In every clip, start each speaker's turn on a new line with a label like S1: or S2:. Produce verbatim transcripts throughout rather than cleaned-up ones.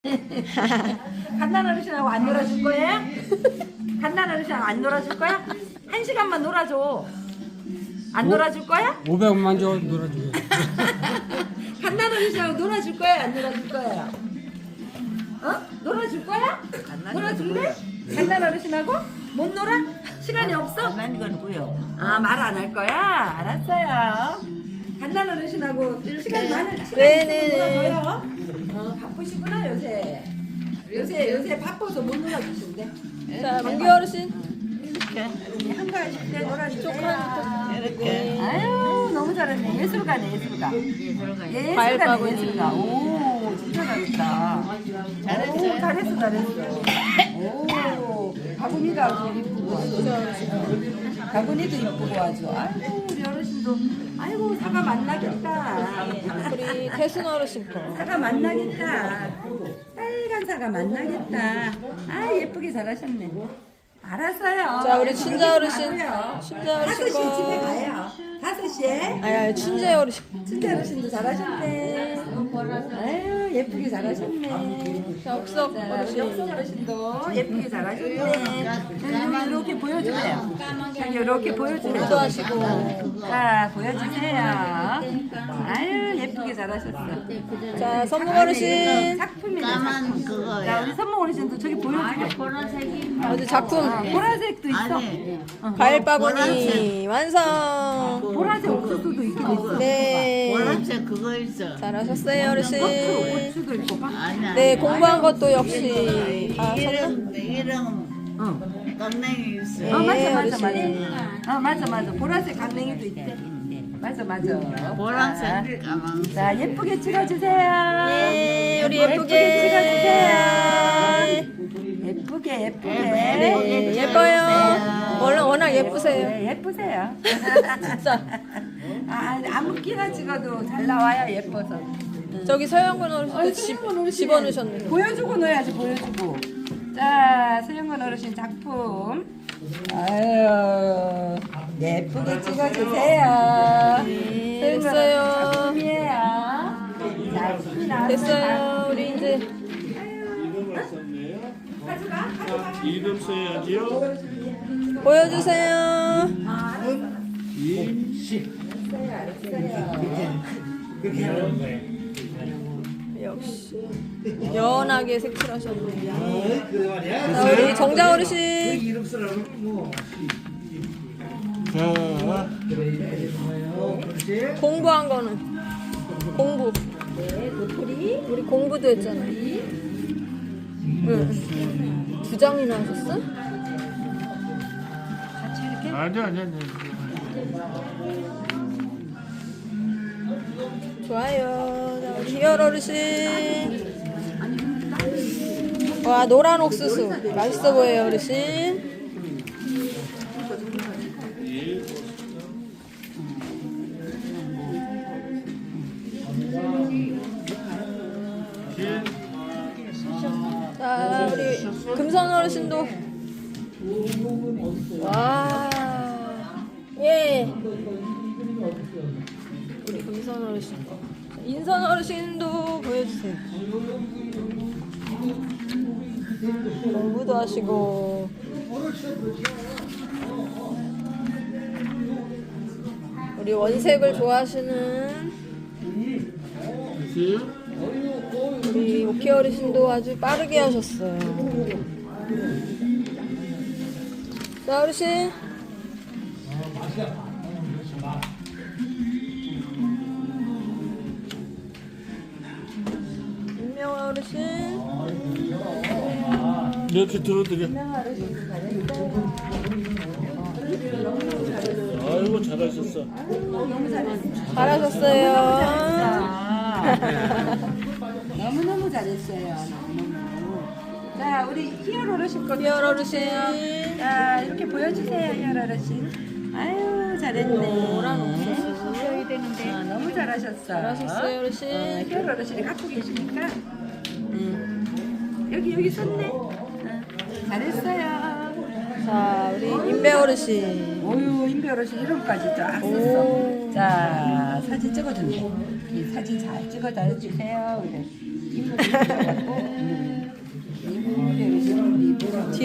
S1: 갓난 어르신하고 안 놀아줄 거야? 갓난 어르신하고 안 놀아줄 거야? 한 시간만 놀아줘. 안 놀아줄 거야?
S2: 오백만 줘 놀아주고.
S1: 갓난 어르신하고 놀아줄 거야? 안 놀아줄 거야? 어? 놀아줄 거야? 놀아줄래? 갓난 어르신하고? 못 놀아? 시간이 없어?
S3: 난 거고요.
S1: 아, 말 안 할 거야? 알았어요. 갓난 어르신하고 시간 많은 시간
S4: 네네네.
S1: 있으면 놀아줘요. 어, 바쁘시구나 요새. 요새 요새 바빠서 못 놀아주신대.
S4: 자, 민규 어르신.
S3: 이렇게
S1: 한가하실 때 놀아주세요.
S3: 이렇게
S1: 아유 너무 잘했네. 예술가네 예술가.
S3: 들어가요.
S1: 예술가네
S4: 과일바구니.
S1: 예술가. 오 진짜 잘했다.
S3: 잘했어요.
S1: 오, 잘했어 잘했어. 오 바구니가 아주 이쁘고 바구니도 이쁘고 아주. 아이고 우리 어르신도 아이고 사과 만나겠다.
S4: 우리 태순 어르신 거.
S1: 사과 만나겠다. 빨간 사과 만나겠다. 아 예쁘게 잘하셨네. 알았어요.
S4: 자, 우리 춘자 어르신.
S1: 가고요.
S4: 춘자 어르신
S1: 다섯 시에 집에
S4: 거.
S1: 가요. 다섯 시에.
S4: 아니, 아니, 춘재 어르신.
S1: 춘자 어르신도 잘하셨네. 아유 예쁘게 잘하셨네.
S4: 자, 옥석
S1: 자, 우리 역성
S4: 어르신.
S1: 어르신도 예쁘게 잘하셨네. 여기 이렇게 보여주세요. 여기 이렇게 보여주세요.
S4: 기도하시고.
S1: 자 보여주세요. 아유 예쁘게 잘하셨어.
S4: 자, 선무 어르신.
S1: 작품이네.
S3: 까만
S1: 작품. 자
S3: 그거야.
S1: 우리 선무 어르신도 저기 보여주세요.
S3: 보라색이
S4: 어디 작품.
S1: 아, 보라색도 있어.
S3: 아니
S4: 과일 바구니 완성.
S1: 보라색 옥수수도 있긴 있어.
S4: 네.
S3: 보라색 그거 있어.
S4: 잘하셨어요,
S1: 고추,
S4: 어르신.
S1: 고추도 있고 봐.
S3: 아니
S4: 네, 공부한 것도 역시 다 썼나?
S3: 이름 이름
S1: 어.
S3: 깡냉이 있어.
S1: 어 맞아
S4: 네,
S1: 맞아 맞아.
S4: 어르신.
S1: 어 맞아 맞아. 보라색 강냉이도 있대. 맞아 맞아.
S3: 보라색 까만.
S1: 자 예쁘게 찍어주세요.
S4: 네, 우리
S1: 예쁘게
S4: 예쁘게.
S1: 찍어주세요. 예쁘게 예쁘게.
S4: 네, 예뻐요. 원래 워낙 예쁘세요.
S1: 네, 예쁘세요.
S4: 진짜.
S1: 아 아무끼나 찍어도 잘 나와요 예뻐서.
S4: 저기 서영근 어르신도
S1: 아니,
S4: 집,
S1: 서영근 어르신.
S4: 집어넣으셨네.
S1: 보여주고 넣어야지 보여주고. 자 서영근 어르신 작품. 아유 예쁘게 찍어주세요.
S4: 네,
S1: 서영근
S4: 됐어요.
S1: 어르신 작품이에요. 자, 집이 나왔어요.
S4: 됐어요. 우리 이제
S1: 가져가 가져가.
S5: 이름 써야지요.
S4: 보여주세요.
S5: 임시.
S4: 역시 연하게 색칠하셨네. 자, 우리 정자 어르신.
S5: 이름 쓰라고 뭐. 자,
S4: 공부한 거는 공부.
S1: 네, 도토리.
S4: 우리 공부도 했잖아요. 응. 두 장이나 하셨어?
S1: 같이 이렇게.
S5: 아니 아니 아니.
S4: 좋아요. 자, 우리 희열 어르신. 와, 노란 옥수수. 맛있어 보여요, 어르신. 자, 우리 금선 어르신도. 와. 예. 우리 금선 어르신. 자, 인선 어르신도 보여주세요. 공부도 하시고. 우리 원색을 좋아하시는 우리 오키 어르신도 아주 빠르게 하셨어요. 자, 어르신. 윤명아 어르신.
S5: 이렇게 들어드려. 아이고 잘하셨어.
S4: 잘하셨어요.
S1: 너무너무 잘했어요. 너무너무. 자, 우리 희열 어르신 거.
S4: 희열 어르신.
S1: 자, 이렇게 보여주세요, 희열 어르신. 아유, 잘했네.
S4: 노란 옥수수.
S1: 보여야 되는데. 아, 너무 잘하셨어.
S4: 잘하셨어요, 어르신.
S1: 어, 희열 어르신이 갖고 계시니까. 음. 여기, 여기 썼네. 어, 잘했어요.
S4: 자, 우리 인배 어르신.
S1: 오유, 인배 어르신 이름까지 쫙
S4: 오.
S1: 썼어. 자, 사진 찍어준대. 이 사진 잘 찍어다 주세요. 이래. 이쁘게 찍어갖고. 음.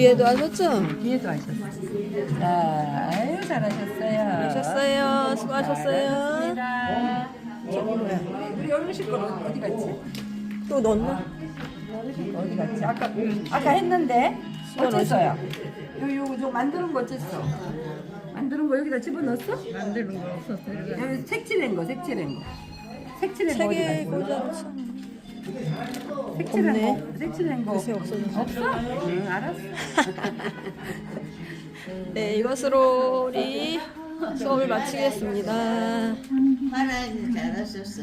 S4: 뒤에도 하셨죠?
S1: 뒤에도 하셨어요. 자, 아유, 잘하셨어요.
S4: 하셨어요. 수고하셨어요.
S1: 잘하셨습니다. 저기 뭐야? 우리 어르신 거 어디 갔지?
S4: 또 넣었나?
S1: 어르신 거 어디 갔지? 아까 아까 했는데
S4: 수건
S1: 어쨌어요? 요 요거 좀 만드는 거 어쨌어? 만드는 거 여기다 집어 넣었어?
S3: 만드는 거 없었어.
S1: 여기 색칠한 거, 색칠한 거. 색칠한 거 어디
S4: 책에
S1: 갔어?
S4: 꽂아놓자.
S1: 색칠한
S4: 없네.
S1: 거, 색칠한 거.
S4: 글쎄, 없어졌어.
S1: 없어? 응, 알았어.
S4: 네, 이것으로 우리 수업을 마치겠습니다.
S3: 말하기 잘하셨어.